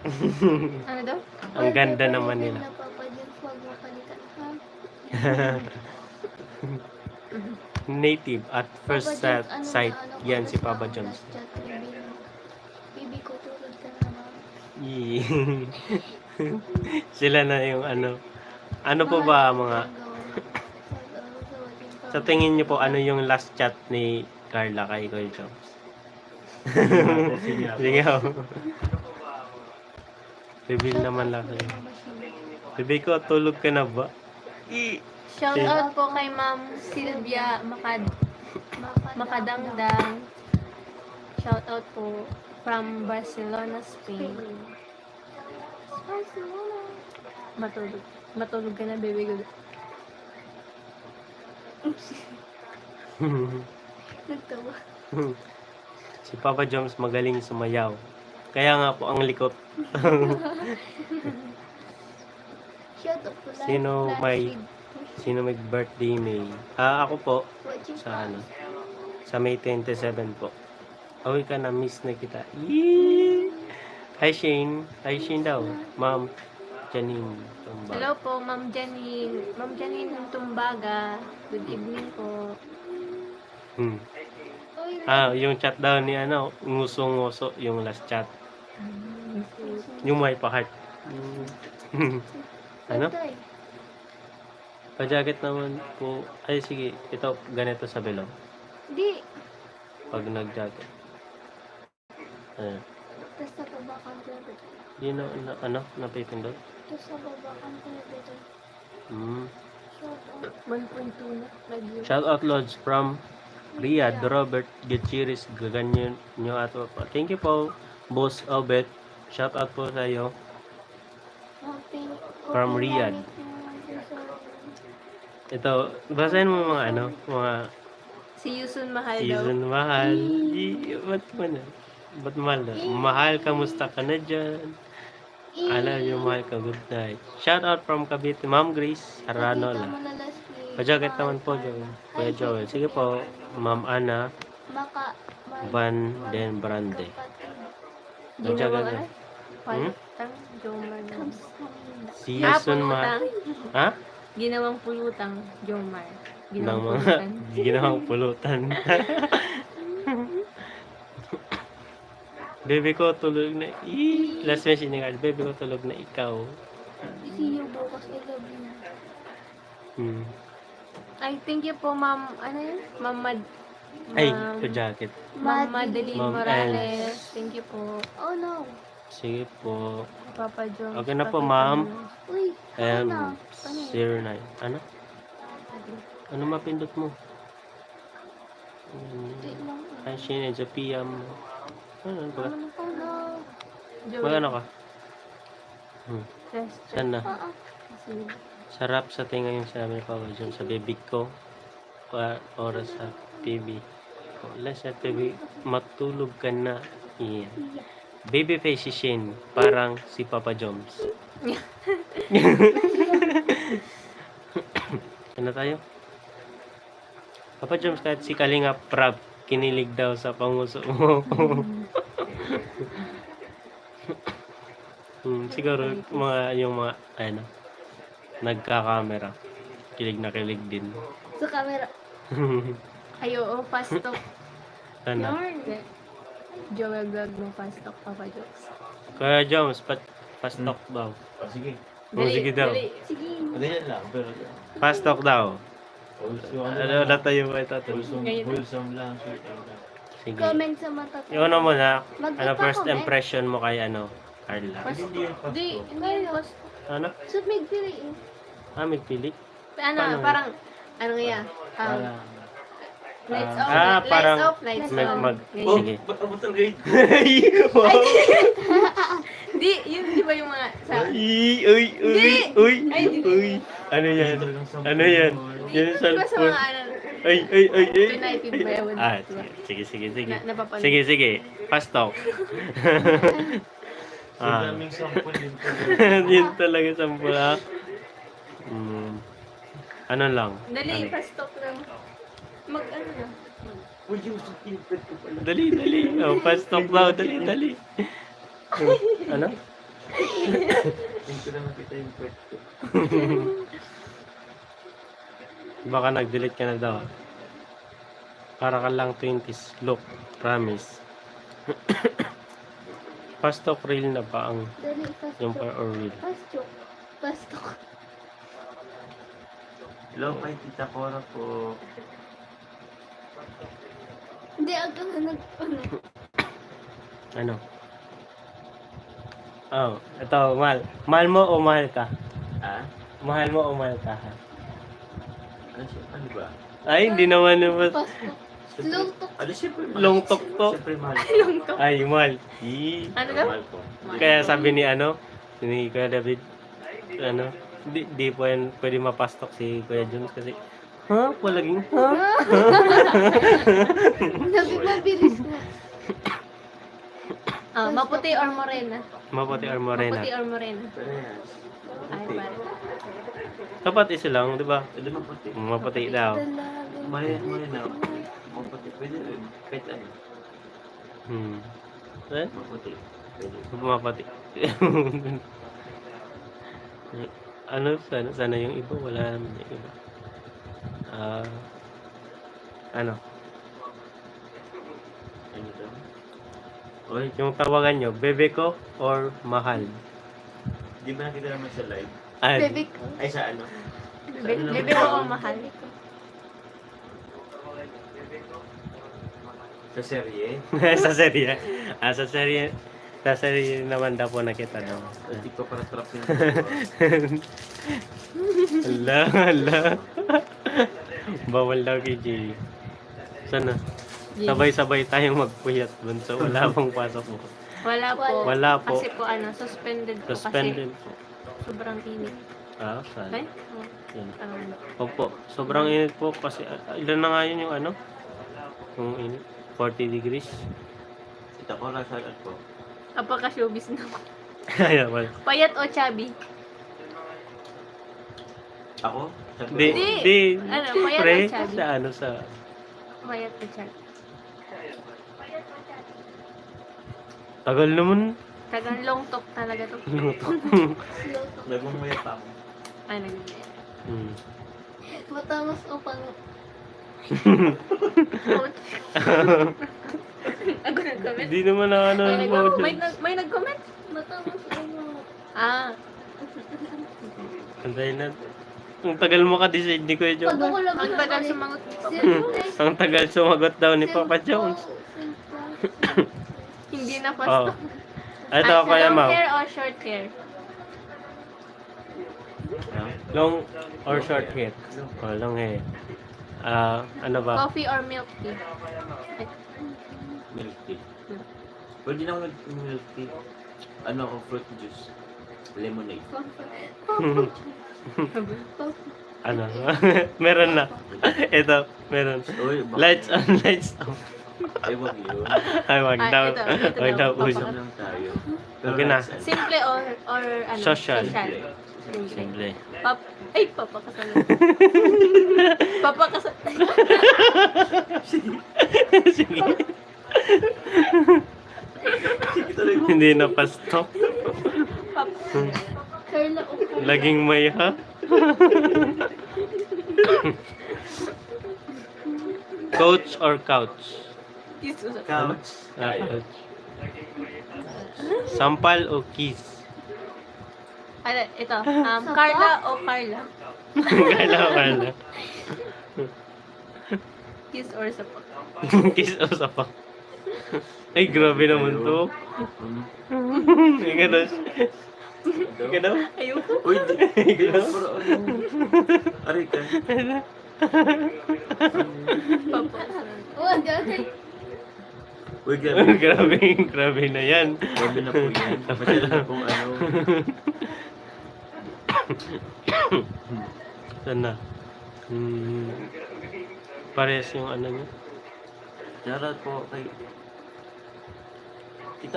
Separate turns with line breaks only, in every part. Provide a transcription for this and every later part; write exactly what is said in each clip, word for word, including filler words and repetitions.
Ano daw?
Ang ganda naman nila. Native at first set, sight. Yan si Papa John's.
Bibi ko, tulog ka na, ma'am.
Yee. Sila na yung ano. Ano po ba mga... Sa tingin niyo po, ano yung last chat ni Carla kay Kuya Joms? Sige ako. Reveal naman lang sa'yo. Bibi ko, tulog ka na ba? I
Shout out po kay Ma'am Sylvia Makad Makadangdang. Shout out po from Barcelona, Spain. Barcelona. Matulog. Matulog ka na, baby ko.
Nagtawa.
Si Papa Joms magaling sumayaw. Kaya nga po ang likot.
Shout out po lang.
Sino may sino may birthday May? Ah, ako po sa ano? Sa May twenty-seven po. Uwi ka na, miss na kita. Yee! Hi Shane. Hi Shane daw. Ma'am Janine Tumba.
Hello po, Ma'am Janine. Ma'am Janine ng Tumbaga. Good evening po.
Hmm. Ah, yung chat daw ni ano, nguso-nguso yung last chat. Yung may pa-heart. Hmm. Ano? Pa-jacket naman po. Ay, sige. Ito, ganito sa below.
Di.
Pag nag-jacket. Ayan.
Tapos sa baba kang pwede.
Yun na, na, ano? Napipindot?
Tapos sa baba kang pwede.
Hmm.
Shout out.
one point two na. Review.
Shout out Lodge from Riyadh, Robert Gutierrez, gaganyan nyo at thank you po, Boss Obet. Shout out po sa iyo. From Riyadh. Ito, basahin mo mga ano, mga
Si Yusun Mahal daw.
season mahal. I, ba't mo na? Ba't mahal na? Mahal, kamusta ka na dyan? Alam nyo, mahal ka, good night. Shout out from Cavite, Ma'am Grace Aranola. Pa-jacket naman po, Joel. Kuya Joel. Sige po, Ma'am Ana
Maka.
Van Den Brande.
Ginawang ano?
Hmm?
Palutang. Jomar daw.
Si
Ah,
Yusun
pulutang.
Ma... Ha?
Ginawang pulutang. Jomar.
Ng
Ginawang
mga
pulutan.
ginawang pulutan. Baby ko tulog na. Ii, last message ni Carl. Baby ko tulog na ikaw.
See you bukas. I love you.
Hmm.
Ay, thank you po, Ma'am. Ano yun? Ma'am Mad...
Ay,
Ma'am-
ito jacket.
Ma'am Madeline
Ma'am
Morales. Thank you po.
Oh no.
Sige po.
Papa Jones.
Okay na po,
Papa
ma'am.
Jones.
Uy.
M
Ano?
zero nine. Ano? Ano mapindot mo? Hmm.
Di lang.
Ay, Shane, Sophia. Ano ba?
Oh no.
Joey.
Magano ka? Hmm.
Test.
Saan na?
Ah, ah.
Sige.
Sarap sa tinga yung sinabi ni Papa John sa bibig ko. Pa oras sa T V. Wala sa T V. Matulog ka na. Yeah. Baby face si Shane. Parang si Papa Jones. Ano tayo? Papa Jones, kahit si Kalinga Prab, kinilig daw sa panguso mo. hmm, siguro mga yung mga ano, nagka-camera. Kilig na kilig din.
Sa camera.
Ay, oo. Fast talk.
Ano?
Hindi. Joel vlog mo. Fast talk, Papa Jones.
Kaya Jones, pat fast talk daw.
Oh, sige.
Oh, sige daw.
Dali.
Sige.
Ganyan lang, pero
Fast talk daw.
wholesome,
Ano na tayo ba ito?
wholesome,
Ngayon.
wholesome lang, sweet lang.
Sige.
Comment sa mata.
Yung ano mo na,
Mag-
ano first
comment.
impression mo kay ano, Carla?
Fast
Hindi yan fast
Hindi.
talk.
Hindi. Fast
Ano?
So, may pili eh.
Ah, may pili?
Ano,
Paano?
parang, ano nga yan? Um,
Parang,
lights
ah,
off,
Ah,
lights
parang
off, lights
mag,
on.
mag,
Ganyan.
oh,
sige.
ba't abot ang grade?
wow!
Di, yun di ba yung mga, sa,
Uy, uy, uy,
Hindi!
uy,
Ay, hindi.
uy. Ano yan? Ano yan? Yan
di
sa
ba sa mga, ano,
Ay, ay, ay, ay.
United ba yun?
Ah,
Diba?
sige, sige, sige.
Na- napapanood.
Sige, sige. Fast talk.
Sa
ah.
daming sample din po.
Yun talaga sampul, ha? Hmm. Ano lang?
Dali,
Ano?
fast talk lang. Mag, ano na.
Uy, yung secret ko pala.
Dali, dali. Oh, fast talk daw. Dali, dali. Oh, ano?
Hindi ko na makita yung pet ko.
Baka nag-delete ka na daw. Para ka lang twenties. Look, promise. Pastok reel na ba ang
Dali, fast
yung
talk.
par or reel?
Fast talk. Fast talk.
Hello kay Tita Cora po.
Hindi, aga na nag... Ano?
Ano? Oh, ito, mahal. Mahal mo o mahal ka?
Ah?
Mahal mo o mahal ka? Ha?
Ano siya? Ano ba?
Ay, hindi naman naman.
Fast talk. Long talk.
Ano siyempre mahal?
Long talk to.
Siyempre mahal.
Ay, mahal. Yee.
Ano daw?
Mahal ko.
Kaya sabi ni ano, ni Kuya David, ano, di, di po yan pwede mapastok si Kuya Jones kasi, ha? Palaging, ha?
Sabi mabilis na.
Ah, maputi or morena?
Maputi or
Maputi
morena.
or morena?
Parehas.
Ay,
Maputi.
pare.
Dapat isa lang, di ba?
Pwede maputi.
Maputi daw.
Dalaga.
Mali, mali na. Maputi. Pwede rin. Kahit ano.
Hmm. Eh?
Maputi. Pwede.
Maputi. ano, sana, sana yung iba, wala naman yung iba. Ah, ano?
Ano to? Oy,
Yung tawagan nyo, bebe ko or mahal?
di ba nakita naman sa live?
Ay,
Baby ko.
Ay, sa ano?
Be- Bebe ko o mahal?
Sa serye?
sa serye. Ah, sa serye. Sa serye naman daw po nakita daw.
Hindi ko para trap sila.
Hala, hala. Bawal daw kay Jay. Sana. Sabay-sabay tayong magpuyat dun. So, wala pong pasok po.
Wala po.
Wala po.
Kasi po ano, suspended po
Suspended
kasi
po.
sobrang init.
Ah, sana.
Ay? Oh,
Yun.
um,
Opo. Sobrang init po kasi ah, ilan na nga yun yung ano? Yung init. forty degrees.
Kita ko lang sa ano po.
apaka showbiz na.
Ayan, wala.
Payat o chubby?
Ako? Sabi
Di,
ko,
Di.
di.
Ano, payat
Pre,
o chubby?
sa ano, sa...
Payat o chubby?
Tagal naman.
Tagang long talk talaga to.
Slow talk.
nagmumaya pa ako.
Ay, nag
Hmm.
Matamos o pang...
Ako nag-comment?
Hindi naman na ano.
May,
ano,
nag- may, nag- may nag-comment?
Matamos o mga...
Ah,
Anday na. Ang tagal mo ka-decide ni Kuya
Pag
Jones.
ako lang
ang
naman
tagal
ulit.
sumangot.
Simple.
Ang tagal sumagot daw ni Papa
Simple.
Jones.
Simple.
Hindi na
Oh.
pasto.
Ito,
Ah,
Kuya
long
Mau.
hair o short hair?
Ha?
Long or short hair? Oh, long hair. Ah, ano ba?
Coffee or milk tea? Ay,
Milk tea. Pwede na ako milk tea. Ano ako, fruit juice. Lemonade.
ano? Meron na. Ito, meron.
Uy, baka-
Lights on, lights off.
Ay, wag yun.
Ay, wag
Ah,
daw.
ito, ito
Wag daw.
daw.
uso.
Usap lang tayo.
Okay na.
ano,
Simple or, or ano?
Social.
Simple.
Simple.
Pap Ay, papakasal. papakasal.
Sige.
Sige tuloy mo.
Hindi na pasto.
Pap
Carla o Carla.
Laging may ha. Coach or couch?
Jesus.
Couch.
Ah, couch. Sampal o kiss?
Ano, ito. Um, Carla o Carla?
Kala ko na.
Kiss or sapak?
Kiss o sapak? Ay, grabe naman to.
Hmm.
Ika daw. Ika daw.
Ayoko.
Uy, di. Di na puro ano. Aray ka.
Papakasal.
Oh, ang ganda.
Uy, grabe.
grabe, grabe na yan.
Grabe na po yan. Masyado na pong ano.
Sana. Hmm. Parehas yung ano niya.
Shoutout po kay... Kita...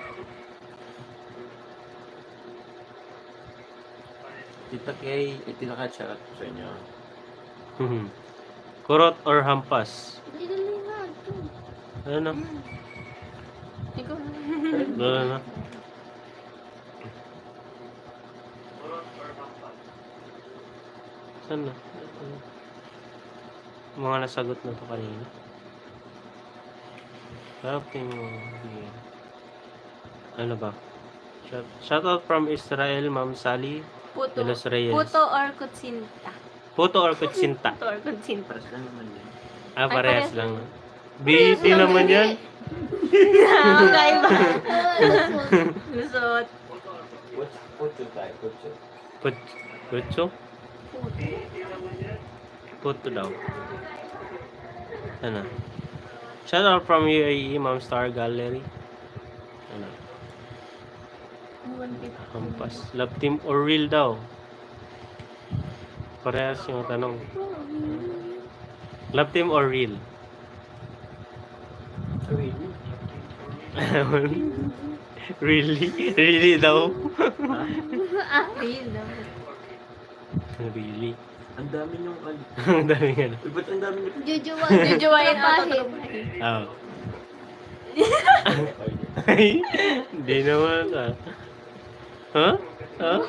Kita kay... Itinaka-shoutout po sa inyo.
Hmm. Kurot or hampas?
Dali na. ito.
Ano na?
Ikaw.
Ano na? Saan na? Mga nasagot na to kanina. Sarap yung yeah. Ano ba? Shout, shout out from Israel, Ma'am Sally
Puto.
de los Reyes.
Puto or kutsinta.
Puto or kutsinta?
Puto or kutsinta.
Paras lang naman yun.
Ah,
Ay,
parehas
parehas
lang. Busy
lang
naman yan.
Magkaiba. Lusot.
Putso, putso tayo, putso.
Put, putso? Puto daw. Ano? Shout out from U A E, Ma'am Star Gallery. Ano? Hampas. Love team or real daw? Parehas yung tanong. Love team or real? Really? Really daw?
Ah, real daw.
Really?
Ang dami niyong ano.
Ang dami nga.
Uy, ba't ang dami niyo?
Jujuwa.
Jujuwain ako.
Trapahin.
Oh. Ay, hindi naman ah. Huh? Huh?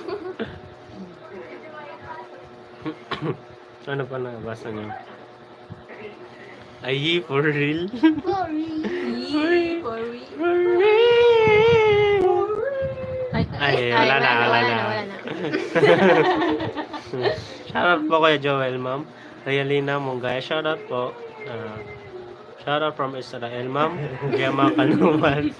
Ano pa nabasa niyo? Ay, for real?
Sorry.
Yee, for real.
For real? Ay, wala na, wala na.
Wala na.
Shoutout po kay Joel, ma'am. Realina Mungay, shoutout po. Uh, shoutout from Israel, ma'am. Gema Kanuman.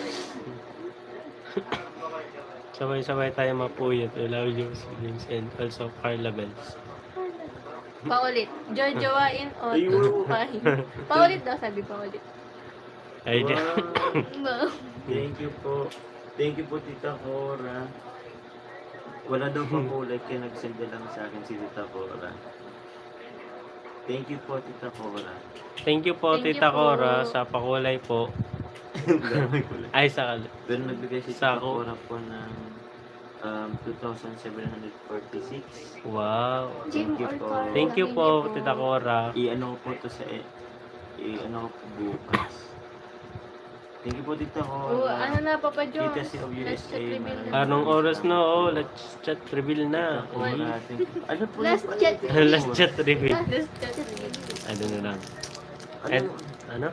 Sabay-sabay tayo mapuyat. We love you, siblings, and also Carla Bells.
Paulit. Jojowain o
Ayun.
tupahin. Paulit daw, sabi paulit.
Ay, di.
Wow. Thank you po. Thank you po, Tita Cora. Wala daw pang kulay, kaya nagsend lang sa akin si Tita Cora. Thank you po, Tita Cora.
Thank you po,
Thank you
Tita
po.
Cora, sa pakulay po.
Wala may kulay.
Ay, sa...
Pero nagbigay si
Sa
Tita
ako.
Cora po ng um, two thousand seven hundred forty-six.
Wow.
Thank you po.
Thank you po, Tita Cora.
I-ano ko po to sa... i- I-ano ko po bukas. Thank you po, Tita Cora.
Oh, ano na, Papa John?
Tita si of U
Let's
S A.
chat reveal
man.
na.
Anong oras na? Oh, let's chat reveal na.
Tita Cora, thank you. Ano po
Last
yung-
chat.
Last chat reveal.
Let's chat reveal.
Ano na lang.
Ano?
And, ano?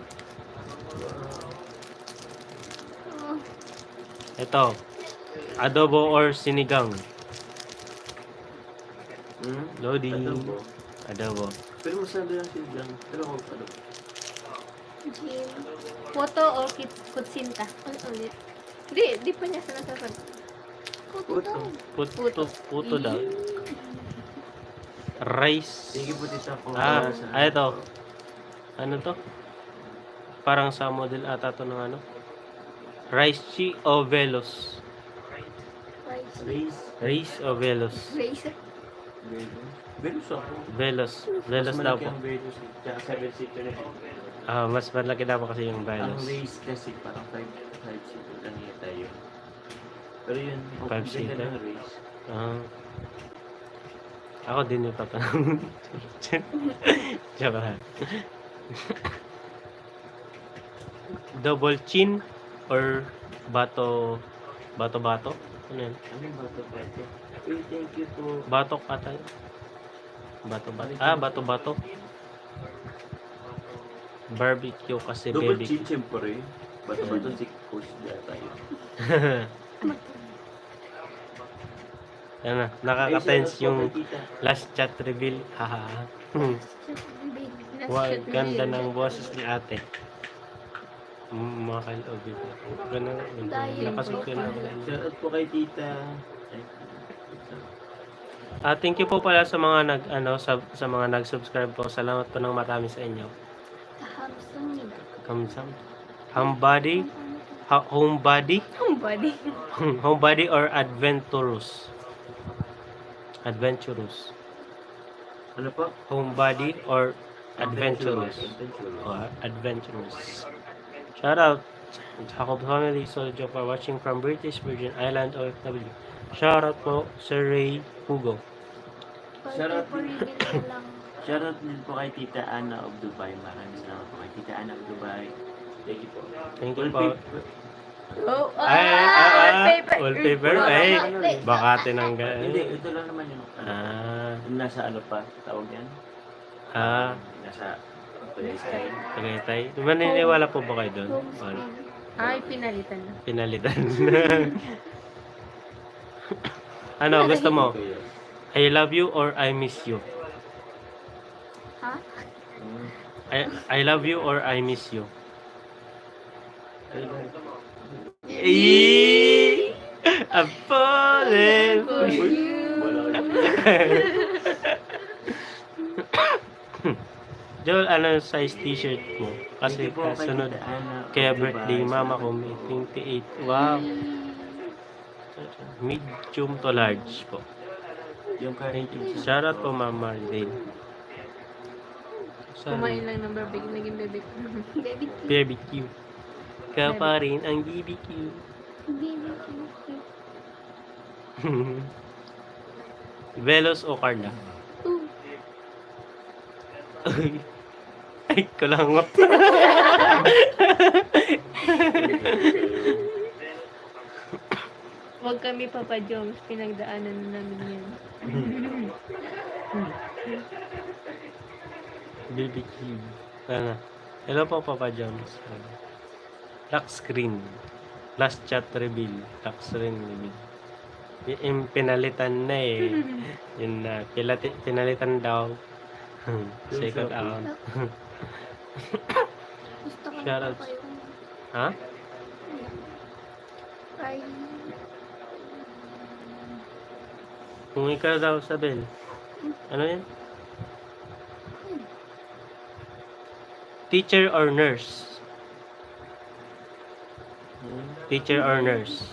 Ito. Adobo or sinigang?
Hmm?
Lodi.
Adobo.
Adobo.
Pero masabi lang sila dyan. Pero ako adobo.
Jim.
Puto or kit- kutsinta? Ano ulit? Di, di pa niya sinasasagot.
Puto.
Puto. Puto daw. Rice.
Thank you po, Tita Cora.
Ah,
sa-
ah, ito. Ano to? Parang sa model ata to ng ano? Rice chi o velos?
Rice.
Race.
Rice o velos?
Race.
Velos. Velos ako.
Velos. Velos
Mas
daw
malaki
po.
ang Velos. eh. Tsaka seven seater na po.
Ah, mas malaki daw po kasi yung
Ang
velos.
race kasi parang five five seater lang yata yun. Pero yun, okay,
Five
ganda
seater?
ng race.
Ah. Ako din yung tatanong. Joke. Double chin or bato bato bato? Ano yan?
Ano yung bato ba ito? Uy, thank you po.
Batok ata yun. Bato bato. Ah, bato bato. Barbecue kasi
Double
baby.
chin, siyempre. Bato ba ito? Si Coach yata yun.
Ano,
Ay,
nakaka-tense
shout out po
yung
kay Tita.
last chat reveal. Haha. Hmm.
Let's
Wow,
chat
ganda
reveal.
ng boses ni ate. Mm, mga kalob ito. Ganun.
Dahil
Nakasig ko na.
Shout out po kay Tita. Ay,
Ah, thank you po pala sa mga nag ano sa, sa mga nag-subscribe po. Salamat po ng marami sa inyo.
Kahamsangin.
Kamsam. Homebody, ha, homebody,
Ang body.
homebody or adventurous? Adventurous.
Ano po?
Homebody or adventurous?
Adventurous.
Or adventurous. Shout out Jacob family, Soldier for watching from British Virgin Island O F W. Shout out po Sir Ray Hugo.
Shout out
For reveal na lang.
Shoutout din po kay Tita Ana of Dubai. Maraming salamat po kay Tita Ana of Dubai. Thank you po.
Thank you
Full
po.
page,
Oh,
Ay, ah, ah,
wallpaper.
wallpaper.
Wala,
Ay,
ano eh.
baka tinanggal.
Hindi, ito lang naman yung ano.
Ah,
Yung nasa ano pa, tawag yan?
ah,
Nasa Palestine.
Tagaytay. Maniniwala po ba kayo doon?
Home
Wala.
screen.
Ay, pinalitan na.
Pinalitan. Ano, gusto mo?
Ito yun.
I love you or I miss you?
Ha?
Hmm.
I, I love you or I miss you? Eee! I'm falling for you.
Wala.
Joel, ano size t-shirt mo? Kasi
Hindi po, kay
kasunod.
Tita Ana.
Kaya
Okay,
birthday
bye.
mama ko may twenty-eight. Wow. Medium to large po.
Yung
Thank you.
current
Shout out po Ma'am Marlene.
Kumain lang ng barbecue, naging bebek.
Baby Q.
B B Q. Ka pa rin ang B B Q.
Baby Q.
Velos o Carla?
Ooh.
Ay, kulangot.
Huwag kami, Papa Joms. Pinagdaanan na namin yan.
B B Q. Ano? Hello po, Papa Jones. Lock screen. Last chat reveal. Lock screen reveal. Y- Yung pinalitan na eh. Yun na. Pilati, pinalitan daw. Second account.
Gusto ko na
Shoutouts.
pa yung
Ha?
ay
Kung ikaw daw, Sabel. Ano yan? Teacher or nurse? Teacher or nurse?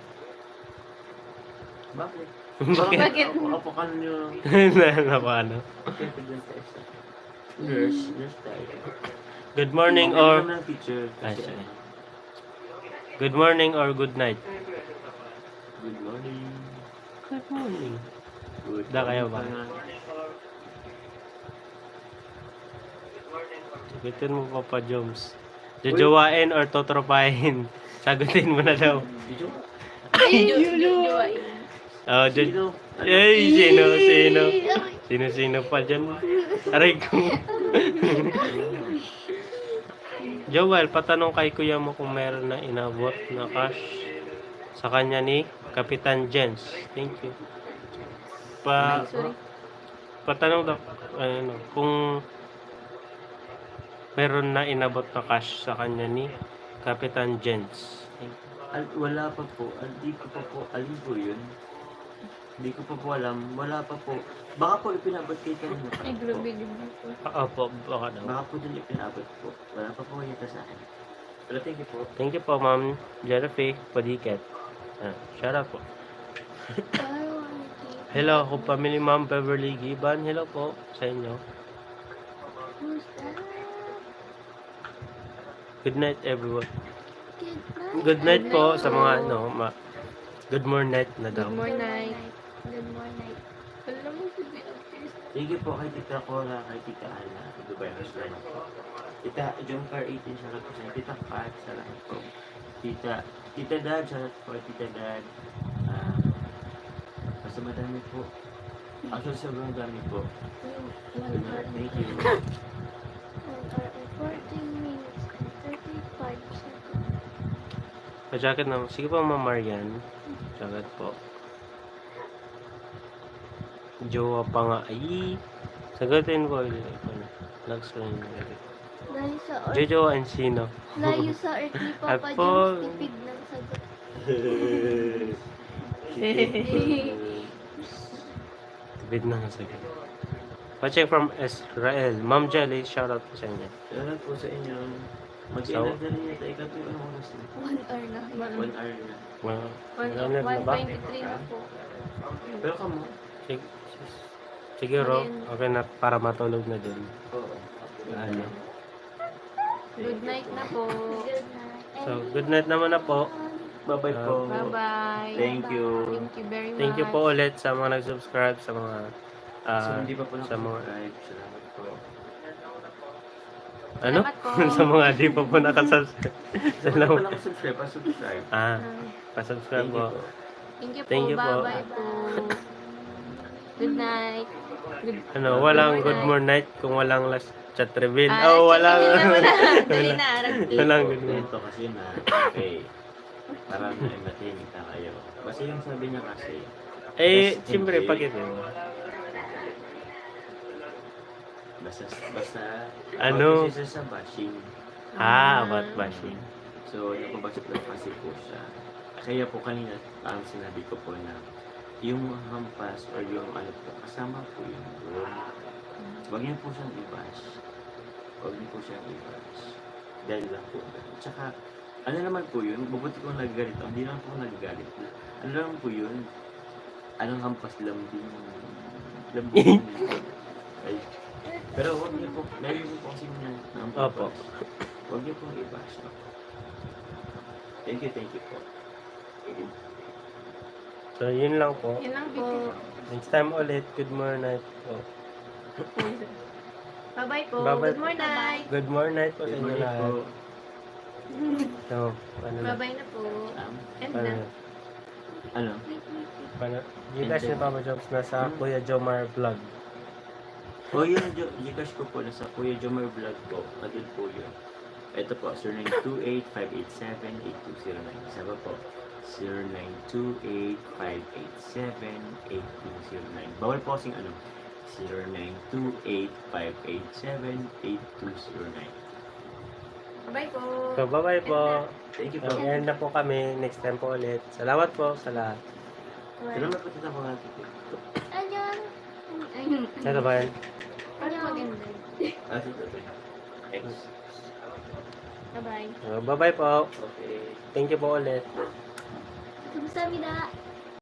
Bakit?
Bakit?
Bakit?
Ako, ako ka nyo.
na paano?
Siyempre dyan sa isa. Nurse, nurse tayo.
Good morning
Okay
or
naman ang teacher.
Ay,
Kasi
sorry.
ano,
good morning or good night?
good morning.
Good morning.
Good
Da, kayo ba?
morning.
Sagutin mo Papa Joms. Jojowain or totropahin? Sagutin mo na daw.
Did you?
Ay, jujuwain.
Oh, jo-
Sino? Ano?
Ay, sino, sino? Sino, sino pa dyan? Aray ko. Joel, patanong kay kuya mo kung meron na inabot na cash sa kanya ni Kapitan Jens. Thank you. Pa,
Sorry.
patanong daw, ano, kung meron na inabot na cash sa kanya ni Kapitan Jens. Thank you.
Al, wala pa po. Al, di ko pa po. Alin po yun? Hindi ko pa po alam. Wala pa po. Baka po ipinabot kay kanina pa
Ay,
po.
grabe din po.
Ah, Opo, baka daw.
Baka po dun ipinabot po. Wala pa po yata sa akin. Pero thank you po.
Thank you po, Ma'am Jennifer Padiket. Ah, shout out po. Hello, ako pamilya Ma'am Beverly Giban. Hello po sa inyo.
who's that?
Good night, everyone.
Good night.
Good night po sa mga, ano, ma good morning night na daw.
Good morning.
Good morning.
Alam mo, sabi ang first.
Thank you po kay Tita Cora, kay Tita Ana. Ito ba yung restaurant po? Tita Jomcar eighteen, salamat po sa inyo. Tita Pat, salamat po. Tita, Tita Dad, salamat po. Tita Dad. Ah, basta madami po. Actually, sobrang dami po.
One hour
Thank
and
you.
one hour and fourteen minutes and thirty-five seconds.
Pa-jacket na. Sige po, Ma'am Marian. Jacket po. Jowa pa nga. Ay, sagutin ko. Next one.
Dahil sa or
Jojo and sino?
layo sa earth ni Papa
At po-
James, tipid ng sagot.
Tibid na nga sagot. Pa-check from Israel. Ma'am Jelly, shout out po sa inyo.
Salamat po sa inyo. Mag-inag na rin yata. Ikaw po yung ano oras na.
One hour na.
One hour na.
Well,
One
ano na
one
ba?
twenty-three na po.
Pero kamo.
Sig- Siguro, okay na para matulog na din.
Oo.
Ano.
Good night na po.
Good night.
So, good night naman na po.
Bye-bye po.
Bye-bye.
Thank you.
Thank you very much.
Thank you po ulit sa mga nag-subscribe, sa mga
So,
ah,
hindi pa po
sa mga
nakasubscribe. Salamat po.
Ano?
Salamat po.
Sa mga di pa po nakasubscribe.
Sa mga
Salamat.
walang subscribe, pa-subscribe.
Ah,
Ah,
pasubscribe
Thank you
po.
po.
Thank you po.
Thank you po.
Bye-bye po. Good night. Good
Ano, walang good more night kung walang last chat reveal.
Ah,
Oh,
check
walang.
in na muna. Dali na, Aragti.
Walang good more.
Ito kasi na, okay, para na matahimik na kayo. Kasi yung sabi niya kasi,
Eh,
Yes,
siyempre,
hindi.
pakit yun.
basta, basta,
Ano?
Kasi siya sa bashing.
Ah, about bashing.
So, napabasok lang kasi po siya. Kaya po kanina, ang sinabi ko po na, yung hampas or yung ano po, kasama po yun doon. Huwag niyo po siyang i-bash. Huwag niyo po siyang i-bash. Dahil lang po. Tsaka, ano naman po yun, mabuti kong nagagalit ako. Hindi naman po ako nagagalit. Ano naman po yun, anong hampas lambing. Lambing. Ay. Pero huwag niyo po, meron po kasi na
Opo.
huwag niyo pong i-bash. No? Thank you, thank you po.
So, yun lang po.
Yun lang po.
Next time ulit, good more night po.
Bye-bye po.
Bye-bye
Good
po.
more night.
Good more night po sa
Good
inyo
morning
lahat.
po.
So, ano na?
Bye-bye na po.
Um,
End
Ano
na.
na?
ano?
Paano? Gcash ni Papa Jobs nasa Kuya Jomar Vlog.
O yun, Jo- Gcash ko po, nasa Kuya Jomar Vlog po. Nandun po yun. Ito po, zero nine two eight, five eight seven, eight two zero nine. Isa pa po, zero nine two eight, five eight seven, eight two zero nine. Bawal po kasing ano, zero nine two eight, five eight seven, eight two zero nine.
Bye po.
So, bye-bye po.
Thank you po.
So, end na po kami. Next time po ulit. Salamat po sa lahat.
Salamat po tita po natin.
Ayun.
Ayun.
Ito ba yan?
Paano mag-end?
Ah, sige. X.
Bye-bye.
So, bye-bye po.
Okay.
Thank you po ulit.
Kamsahamnida.